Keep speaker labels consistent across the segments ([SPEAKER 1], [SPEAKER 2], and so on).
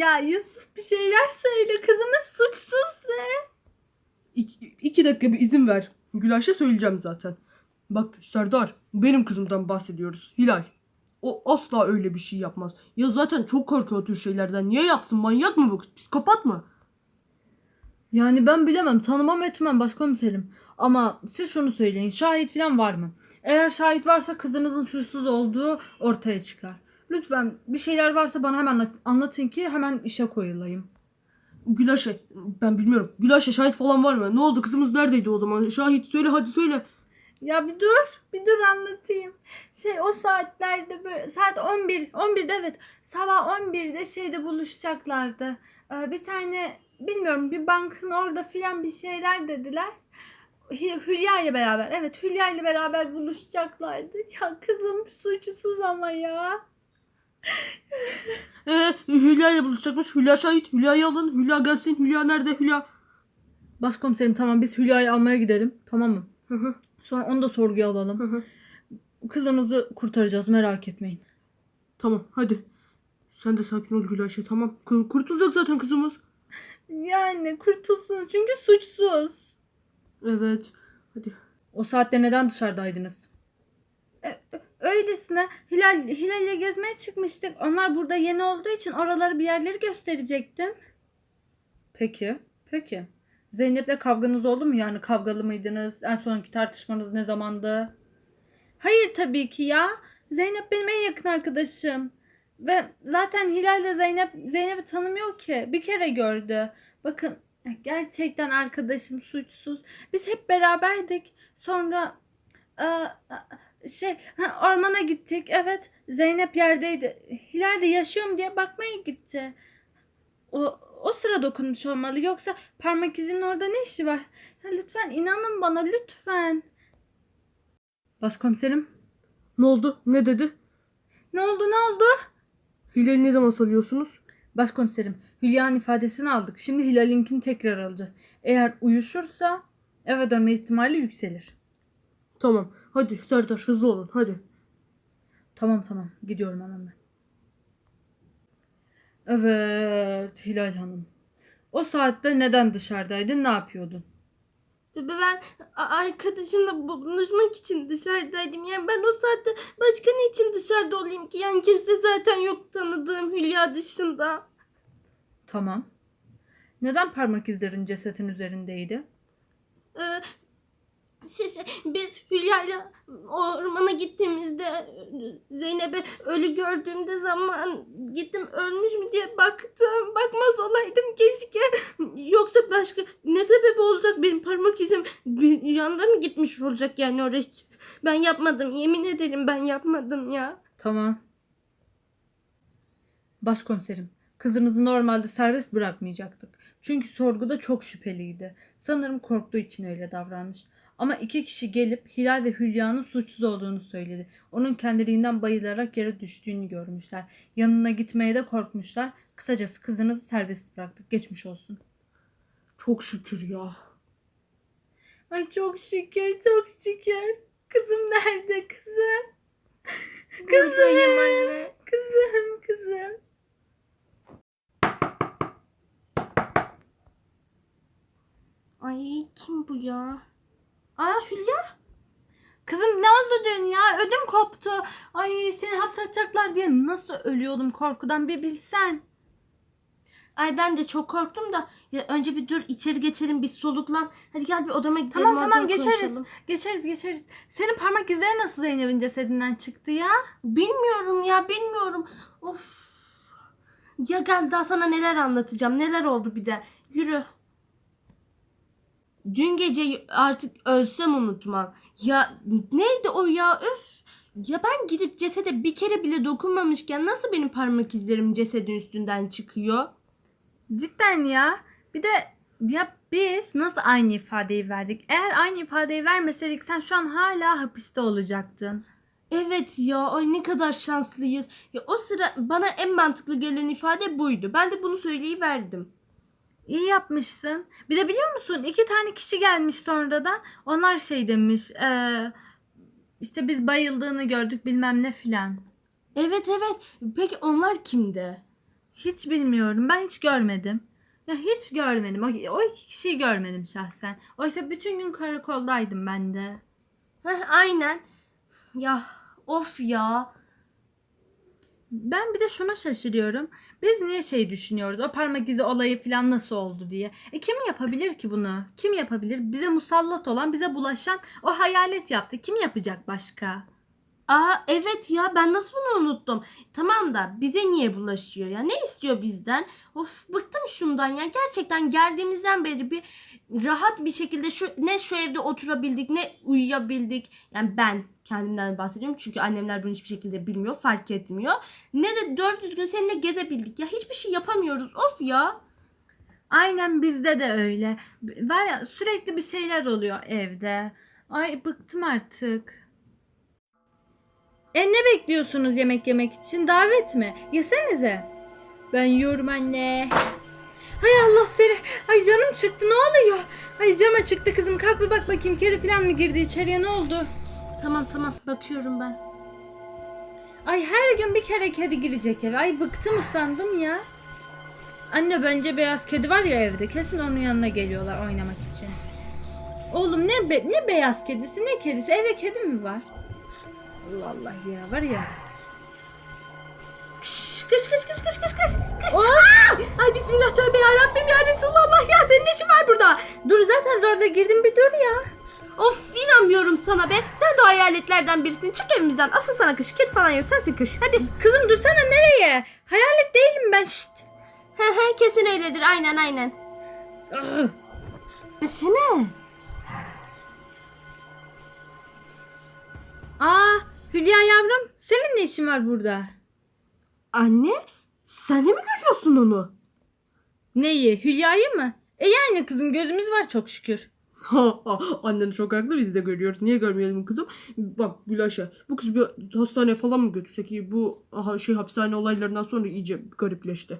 [SPEAKER 1] Ya Yusuf bir şeyler söyle. Kızımız suçsuz de.
[SPEAKER 2] İki dakika bir izin ver. Gülayşe söyleyeceğim zaten. Bak Serdar, benim kızımdan bahsediyoruz. Hilal. O asla öyle bir şey yapmaz. Ya zaten çok korkuyor o tür şeylerden. Niye yapsın? Manyak mı bu kız? Psikopat mı?
[SPEAKER 1] Yani ben bilemem, tanımam etmem başkomiserim. Ama siz şunu söyleyin, şahit falan var mı? Eğer şahit varsa kızınızın suçsuz olduğu ortaya çıkar. Lütfen bir şeyler varsa bana hemen anlatın ki hemen işe koyulayım.
[SPEAKER 2] Gülayşe, ben bilmiyorum. Gülayşe, şahit falan var mı? Ne oldu? Kızımız neredeydi o zaman? Şahit söyle, hadi söyle.
[SPEAKER 1] Ya bir dur anlatayım. O saatlerde böyle saat 11'de evet, sabah 11'de buluşacaklardı. Bir tane bilmiyorum, bir bankın orada filan bir şeyler dediler. Hülya ile beraber, evet, Hülya ile beraber buluşacaklardı. Ya kızım suçsuz ama ya.
[SPEAKER 2] Hülya ile buluşacakmış. Hülya şahit. Hülya'yı alın. Hülya gelsin. Hülya nerede? Hülya.
[SPEAKER 1] Başkomiserim tamam, biz Hülya'yı almaya gidelim, tamam mı?
[SPEAKER 2] Hı hı,
[SPEAKER 1] Sonra onu da sorguya
[SPEAKER 2] hı
[SPEAKER 1] alalım.
[SPEAKER 2] hı.
[SPEAKER 1] Kızınızı kurtaracağız, merak etmeyin.
[SPEAKER 2] Tamam, hadi. Sen de sakin ol Gülayşe, tamam. Kurtulacak zaten kızımız.
[SPEAKER 1] Yani kurtulsun çünkü suçsuz.
[SPEAKER 2] Evet. Hadi.
[SPEAKER 1] O saatte neden dışarıdaydınız? Öylesine Hilal'le gezmeye çıkmıştık. Onlar burada yeni olduğu için oraları bir yerleri gösterecektim. Peki. Zeynep'le kavganız oldu mu? Yani kavgalı mıydınız? En sonki tartışmanız ne zamandı? Hayır tabii ki ya. Zeynep benim en yakın arkadaşım. Ve zaten Hilal de Zeynep'i tanımıyor ki. Bir kere gördü. Bakın, gerçekten arkadaşım suçsuz. Biz hep beraberdik. Sonra ormana gittik. Evet, Zeynep yerdeydi. Hilal de yaşıyor mu diye bakmaya gitti. O sıra dokunmuş olmalı. Yoksa parmak izinin orada ne işi var? Ya lütfen inanın bana, lütfen. Başkomiserim.
[SPEAKER 2] Ne oldu? Ne dedi?
[SPEAKER 1] Ne oldu?
[SPEAKER 2] Hilal'i ne zaman salıyorsunuz?
[SPEAKER 1] Başkomiserim, Hülya'nın ifadesini aldık. Şimdi Hilal'inkini tekrar alacağız. Eğer uyuşursa eve dönme ihtimali yükselir.
[SPEAKER 2] Tamam. Hadi Serdar, hızlı olun. Hadi.
[SPEAKER 1] Tamam. Gidiyorum hemen ben. Evet Hilal Hanım. O saatte neden dışarıdaydın? Ne yapıyordun?
[SPEAKER 3] Ben arkadaşımla buluşmak için dışarıdaydım. Yani ben o saatte başka ne için dışarıda olayım ki? Yani kimse zaten yok tanıdığım Hülya dışında.
[SPEAKER 1] Tamam. Neden parmak izlerin cesetin üzerindeydi?
[SPEAKER 3] Ee, biz Hülya'yla ormana gittiğimizde Zeynep'e ölü gördüğümde zaman gittim ölmüş mü diye baktım. Bakmaz olaydım keşke. Yoksa başka ne sebep olacak, benim parmak izim bir yanda mı gitmiş olacak yani oraya? Ben yapmadım, yemin ederim ben yapmadım ya.
[SPEAKER 1] Tamam. Başkomiserim, kızınızı normalde serbest bırakmayacaktık. Çünkü sorguda çok şüpheliydi. Sanırım korktuğu için öyle davranmış. Ama iki kişi gelip Hilal ve Hülya'nın suçsuz olduğunu söyledi. Onun kendiliğinden bayılarak yere düştüğünü görmüşler. Yanına gitmeye de korkmuşlar. Kısacası kızınızı serbest bıraktık. Geçmiş olsun.
[SPEAKER 2] Çok şükür ya.
[SPEAKER 1] Ay çok şükür. Kızım nerede kızım?
[SPEAKER 3] Buradayım anne.
[SPEAKER 1] Kızım.
[SPEAKER 3] Ay kim bu ya? Aa, Hülya.
[SPEAKER 1] Kızım ne oldu dün ya? Ödüm koptu. Ay seni hapse atacaklar diye nasıl ölüyordum korkudan bir bilsen.
[SPEAKER 3] Ay ben de çok korktum da ya önce bir dur, içeri geçelim, bir soluklan. Hadi gel bir odama gidelim, orada
[SPEAKER 1] Tamam
[SPEAKER 3] konuşalım.
[SPEAKER 1] geçeriz. Senin parmak izleri nasıl Zeynep'in cesedinden çıktı ya?
[SPEAKER 3] Bilmiyorum. Of. Ya gel, daha sana neler anlatacağım. Neler oldu bir de. Yürü. Dün gece artık ölsem unutmam. Ya neydi o ya, öf. Ya ben gidip cesede bir kere bile dokunmamışken nasıl benim parmak izlerim cesedin üstünden çıkıyor?
[SPEAKER 1] Cidden ya. Bir de ya biz nasıl aynı ifadeyi verdik? Eğer aynı ifadeyi vermeseydik sen şu an hala hapiste olacaktın.
[SPEAKER 3] Evet ya, ay ne kadar şanslıyız. Ya o sıra bana en mantıklı gelen ifade buydu. Ben de bunu söyleyiverdim.
[SPEAKER 1] İyi yapmışsın. Bir de biliyor musun 2 tane kişi gelmiş sonradan. Onlar demiş. İşte biz bayıldığını gördük bilmem ne filan.
[SPEAKER 3] Evet. Peki onlar kimdi?
[SPEAKER 1] Hiç bilmiyorum. Ben hiç görmedim. Ya hiç görmedim. O iki kişiyi görmedim şahsen. Oysa bütün gün karakoldaydım ben de.
[SPEAKER 3] Aynen. Ya of ya.
[SPEAKER 1] Ben bir de şuna şaşırıyorum. Biz niye şey düşünüyoruz? O parmak izi olayı falan nasıl oldu diye. Kim yapabilir ki bunu? Kim yapabilir? Bize musallat olan, bize bulaşan o hayalet yaptı. Kim yapacak başka?
[SPEAKER 3] Aa evet ya, ben nasıl bunu unuttum. Tamam da bize niye bulaşıyor ya? Ne istiyor bizden? Of, bıktım şundan ya. Gerçekten geldiğimizden beri bir rahat bir şekilde şu evde oturabildik, ne uyuyabildik. Yani ben kendimden bahsediyorum çünkü annemler bunu hiçbir şekilde bilmiyor, fark etmiyor. Ne de 400 gün seninle gezebildik ya. Hiçbir şey yapamıyoruz. Of ya.
[SPEAKER 1] Aynen bizde de öyle. Var ya sürekli bir şeyler oluyor evde. Ay bıktım artık. Ne bekliyorsunuz yemek yemek için? Davet mi? Yesenize. Ben yiyorum anne. Hay Allah seni. Ay canım çıktı ne oluyor? Ay cama çıktı kızım. Kalk bir bak bakayım kedi falan mı girdi içeriye ne oldu?
[SPEAKER 3] Tamam bakıyorum ben.
[SPEAKER 1] Ay her gün bir kere kedi girecek eve. Ay bıktım usandım ya. Anne bence beyaz kedi var ya evde. Kesin onun yanına geliyorlar oynamak için. Oğlum ne beyaz kedisi ne kedisi? Evde kedi mi var? Allah Allah ya var ya.
[SPEAKER 3] Kış. Ay bismillah tövbe yarabbim ya Resulallah ya, senin ne işin var burada?
[SPEAKER 1] Dur zaten zorla girdim bir dur ya.
[SPEAKER 3] Of, inanmıyorum sana be. Sen de o hayaletlerden birisin. Çık evimizden. Asıl sana kış. Kedi falan yok. Sensin kış. Hadi.
[SPEAKER 1] Kızım dursana nereye? Hayalet değilim ben şşt.
[SPEAKER 3] Kesin öyledir. Aynen. Mesene.
[SPEAKER 1] Aa Hülya yavrum senin ne işin var burada?
[SPEAKER 3] Anne, sen de mi görüyorsun onu?
[SPEAKER 1] Neyi Hülya'yı mı? Yani kızım gözümüz var çok şükür.
[SPEAKER 2] Annen çok haklı, biz de görüyoruz. Niye görmeyelim kızım? Bak Gülayşe, bu kız bir hastaneye falan mı götürsek iyi? Bu hapishane olaylarından sonra iyice garipleşti.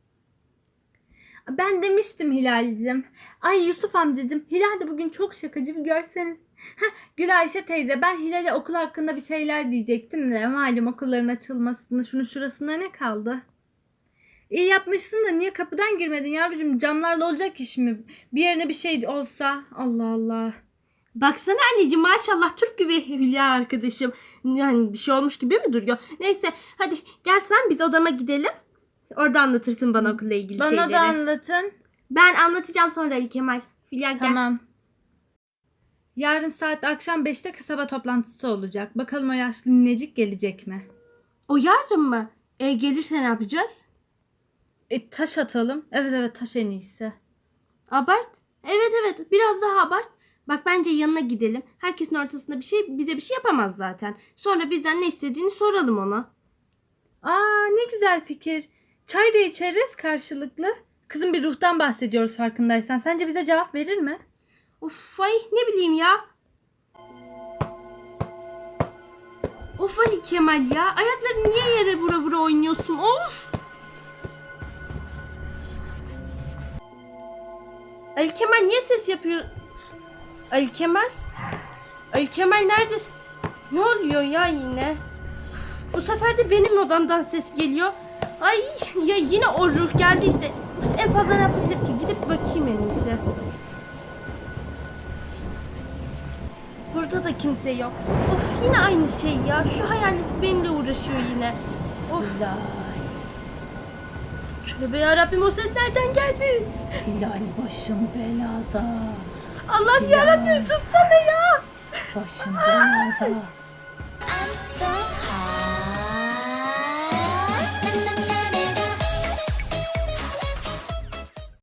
[SPEAKER 1] Ben demiştim Hilal'cim. Ay Yusuf amcacım Hilal de bugün çok şakacı bir görseniz. Gülayşe teyze ben Hilal'e okul hakkında bir şeyler diyecektim de malum okulların açılmasını şunu şurasında ne kaldı? İyi yapmışsın da niye kapıdan girmedin yavrucuğum, camlarla olacak iş mi? Bir yerine bir şey olsa Allah Allah.
[SPEAKER 3] Baksana anneciğim, maşallah Türk gibi Hülya arkadaşım. Yani bir şey olmuş gibi mi duruyor? Neyse hadi gel sen, biz odama gidelim. Orada anlatırsın bana okulla ilgili
[SPEAKER 1] Bana
[SPEAKER 3] şeyleri.
[SPEAKER 1] da anlatın.
[SPEAKER 3] Ben anlatacağım sonra Ali Kemal. Hülya gel.
[SPEAKER 1] Tamam. Yarın saat akşam 5'te kasaba toplantısı olacak. Bakalım o yaşlı ninecik gelecek mi?
[SPEAKER 3] O yarın mı? Gelirse ne yapacağız?
[SPEAKER 1] Taş atalım. Evet taş en iyisi.
[SPEAKER 3] Abart. Evet biraz daha abart. Bak bence yanına gidelim. Herkesin ortasında bize bir şey yapamaz zaten. Sonra bizden ne istediğini soralım ona.
[SPEAKER 1] Aa ne güzel fikir. Çay da içeriz karşılıklı. Kızım bir ruhtan bahsediyoruz farkındaysan. Sence bize cevap verir mi?
[SPEAKER 3] Of ay ne bileyim ya. Of Ali Kemal ya. Ayaklarını niye yere vura oynuyorsun? Of. Ali Kemal niye ses yapıyor? Ali Kemal? Ali Kemal nerede? Ne oluyor ya yine? Bu sefer de benim odamdan ses geliyor. Ay ya yine o ruh geldiyse. Uf, en fazla ne yapabilir ki? Gidip bakayım en iyisi. Burada da kimse yok. Of yine aynı şey ya. Şu hayalet benimle uğraşıyor yine. Of. Tövbe yarabbim, o ses nereden geldi?
[SPEAKER 4] Hilal başım belada.
[SPEAKER 3] Allah'ım yarabbim sussana ya.
[SPEAKER 4] Başım belada.
[SPEAKER 5] I'm so hot.